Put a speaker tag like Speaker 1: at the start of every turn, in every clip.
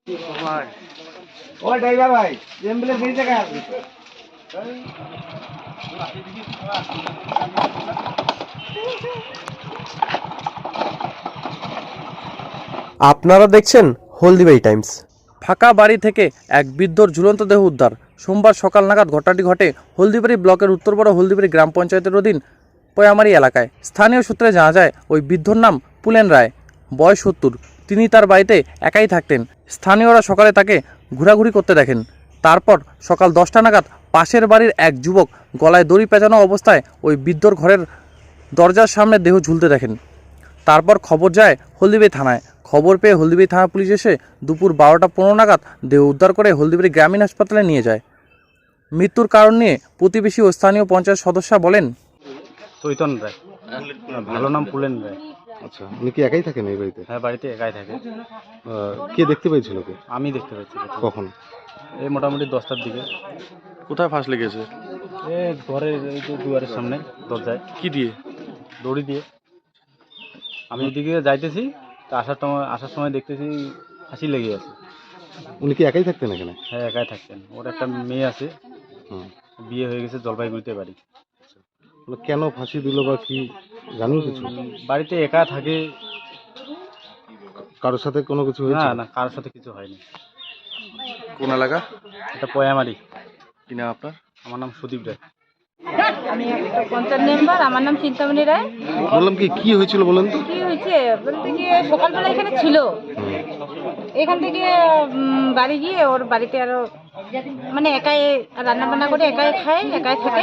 Speaker 1: ওই ড্রাইভার ভাই অ্যাম্বুলেন্স এই জায়গায় আছে।
Speaker 2: আপনারা দেখছেন হলদিবাড়ি টাইমস। ফাঁকা বাড়ি থেকে এক বৃদ্ধর ঝুলন্ত দেহ উদ্ধার। সোমবার সকাল নাগাদ ঘটনাটি ঘটে হলদিবাড়ি ব্লকের উত্তরপাড়া হলদিবাড়ি গ্রাম পঞ্চায়েতের অধীন পয়ামারি এলাকায়। স্থানীয় সূত্রে জানা যায় ওই বৃদ্ধর নাম পুলেন রায়, বয়স 70। তিনি তার বাড়িতে একাই থাকতেন। স্থানীয়রা সকালে তাকে ঘোরাঘুরি করতে দেখেন। তারপর সকাল 10টা নাগাদ পাশের বাড়ির এক যুবক গলায় দড়ি পেঁচানো অবস্থায় ওই বৃদ্ধর ঘরের দরজার সামনে দেহ ঝুলতে দেখেন। তারপর খবর যায় হলদিবাড়ি থানায়। খবর পেয়ে হলদিবাড়ি থানা পুলিশ এসে দুপুর 12টা 15 নাগাদ দেহ উদ্ধার করে হলদিবাড়ি গ্রামীণ হাসপাতালে নিয়ে যায়। মৃত্যুর কারণ নিয়ে প্রতিবেশী ও স্থানীয় পঞ্চায়েত সদস্য বলেন,
Speaker 3: চৈতন রায়, ভালো নাম পুলেন রায়।
Speaker 4: আচ্ছা, উনি কি একাই থাকেন এই বাড়িতে?
Speaker 3: হ্যাঁ, বাড়িতে একাই থাকে।
Speaker 4: কে দেখতে পেয়েছিল কে?
Speaker 3: আমি দেখতে পাচ্ছি।
Speaker 4: কখন?
Speaker 3: এই মোটামুটি 10টার দিকে।
Speaker 2: কোথায় ফাঁস লেগেছে?
Speaker 3: এ ঘরের এই যে দুয়ারের সামনে দরজায়।
Speaker 2: কি দিয়ে?
Speaker 3: দড়ি দিয়ে। আমি এদিকে যাইতেছি, তা আসার সময় দেখতেছি ফাঁসি লেগে আছে।
Speaker 4: উনি কি একাই থাকতেন এখানে?
Speaker 3: হ্যাঁ, একাই থাকতেন। ওর একটা মেয়ে আছে,
Speaker 4: হুম।
Speaker 3: বিয়ে হয়ে গেছে, জলপাইগুড়িতে বাড়ি।
Speaker 4: মানে কেন ফাঁসি দিল বা কি জানেন কিছু?
Speaker 3: বাড়িতে একা থাকে।
Speaker 4: কারোর সাথে কোনো কিছু
Speaker 3: না
Speaker 4: হয়েছে?
Speaker 3: না, কারোর সাথে কিছু হয়নি।
Speaker 2: কোন এলাকা?
Speaker 3: এটা পয়ামারি।
Speaker 2: কি নাম আপনার?
Speaker 3: আমার নাম সুদীপ রায়।
Speaker 5: আমি একটা পঞ্চায়েত মেম্বার, আমার নাম চিন্তামণি রায়।
Speaker 4: বললাম কি হয়েছিল বলেন তো?
Speaker 5: কি হয়েছে বলতে গিয়ে সকালবেলা এখানে ছিল, এখান থেকে বাড়ি গিয়ে ওর বাড়িতে আরো মানে একাই রান্না বান্না করে একাই খায়, একাই থাকে।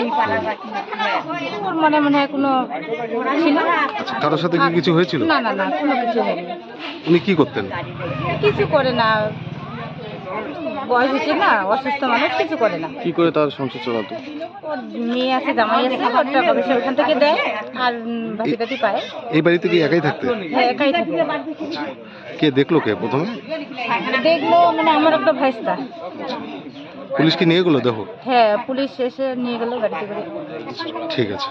Speaker 5: ওর মনে হয় কোনো ছিল।
Speaker 4: আচ্ছা, কারোর সাথে কি কিছু হয়েছিল?
Speaker 5: না না না, কোনো কিছু হয়নি।
Speaker 4: উনি কি করতেন?
Speaker 5: কিছু করে না, বয়স হচ্ছে না, অসুস্থ মানুষ, কিছু করে না।
Speaker 2: কি করে তার সংসার চালাতো?
Speaker 5: ওর মেয়ে আছে, জামাই আছে, ওর টাকা পয়সা ওখান থেকে দেয় আর ভাতি টাতি পায়।
Speaker 4: এই বাড়িতে কি একাই থাকতেন?
Speaker 5: হ্যাঁ, একাই থাকে।
Speaker 4: কে দেখলো কে প্রথমে?
Speaker 5: দেখলো মানে আমার একটা ভাইস্তা।
Speaker 4: পুলিশ কি নিয়ে গেলো দেখো?
Speaker 5: হ্যাঁ, পুলিশ এসে নিয়ে গেল গাড়িতে করে।
Speaker 4: ঠিক আছে।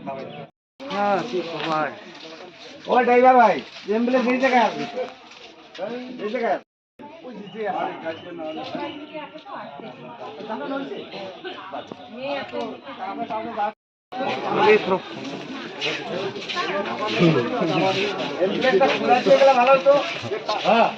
Speaker 1: ওই ড্রাইভার ভাই অ্যাম্বুলেন্স এই জায়গায় আছে। এই জায়গায় ভালো হতো। হ্যাঁ,